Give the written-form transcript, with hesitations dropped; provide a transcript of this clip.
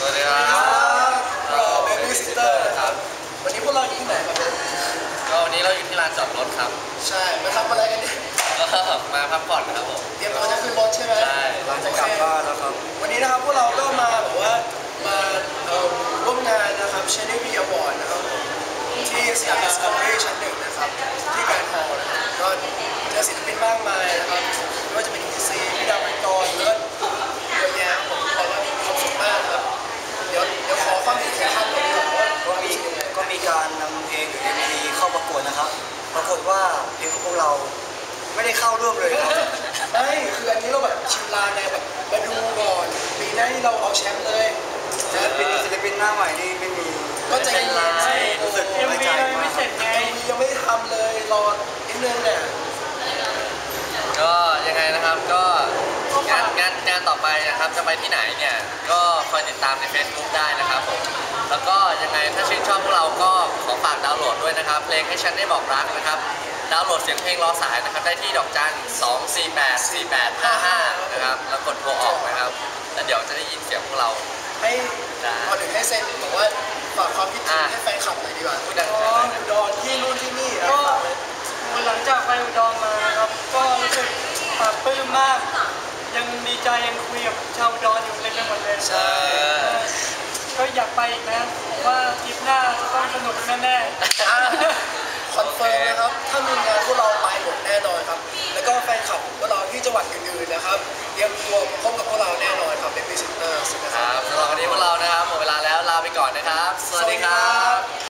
วัสดีครับเราเบบี้ซิสเตอร์ครับวันนี้พวกเราอยู่ที่ไหนครับก็วันนี้เราอยู่ที่ลานจอดรถครับใช่มาทำอะไรกันเนี่ยมาพักผ่อนครับผมเตรียมตัวจะขึ้นรถใช่ไหมใช่เราจะกลับบ้านแล้วครับวันนี้นะครับพวกเราก็มาแบบว่ามาร่วมงานนะครับ Channel V Award นะครับผมที่สยาม Discovery ชั้น 1นะครับที่แกรนด์ฮอลล์นะครับก็เจอศิลปินมากมายนะครับไม่ว่าจะเป็น ETC พี่ดาวเป็นกรเลิศเยอะแยะผมบอกว่ามีความสุขมากครับเดี๋ยวขอความเห็นของท่านก่อนดีกว่าก็มีการนำเพลงหรือ MV เข้าประกวดนะครับปรากฏว่าเพลงของพวกเราไม่ได้เข้าร่วมเลยครับไม่คืออันนี้เราแบบชิมลางไงแบบมาดูก่อนปีหน้าที่เราเอาแชมป์เลยศิลปินหน้าใหม่นี่ไม่มีก็ใจเย็นรู้สึกไม่ใจไม่เสร็จไงยังไม่ทำเลยรอนิดนึงเนี่ยก็ยังไงนะครับก็งานต่อไปนะครับจะไปที่ไหนเนี่ยก็คอยติดตามใน Facebook ได้นะครับผมแล้วก็ยังไงถ้าชื่นชอบพวกเราก็ขอฝากดาวน์โหลดด้วยนะครับเพลงให้ฉันได้บอกรักนะครับดาวน์โหลดเสียงเพลงรอสายนะครับได้ที่ดอกจัน2484855นะครับแล้วกดโทรออกนะครับแล้วเดี๋ยวจะได้ยินเสียงพวกเราให้พอถึงให้เซ็นบอกว่าฝากความคิดถึงให้แฟนคลับหน่อยดีกว่าพูดดังๆดอนที่นู่นที่นี่ก็หลังจากไปอุดรมานะครับก็รู้สึกปลาปลื้มมากยังดีใจยังคุยกับชาวอุดรอยู่เต็มไปหมดเลยใช่ก็อยากไปอีกนะผมว่าทริปหน้าจะต้องสนุกแน่ๆคอนเฟิร์มนะครับถ้ามีงานพวกเราไปหมดแน่นอนครับแล้วก็แฟนคลับพวกเราที่จังหวัดอื่นๆนะครับเตรียมตัวพบกับพวกเราแน่นอนครับเป็นพรีเซนเตอร์นะครับสำหรับวันนี้พวกเรานะครับหมดเวลาแล้วลาไปก่อนนะครับสวัสดีครับ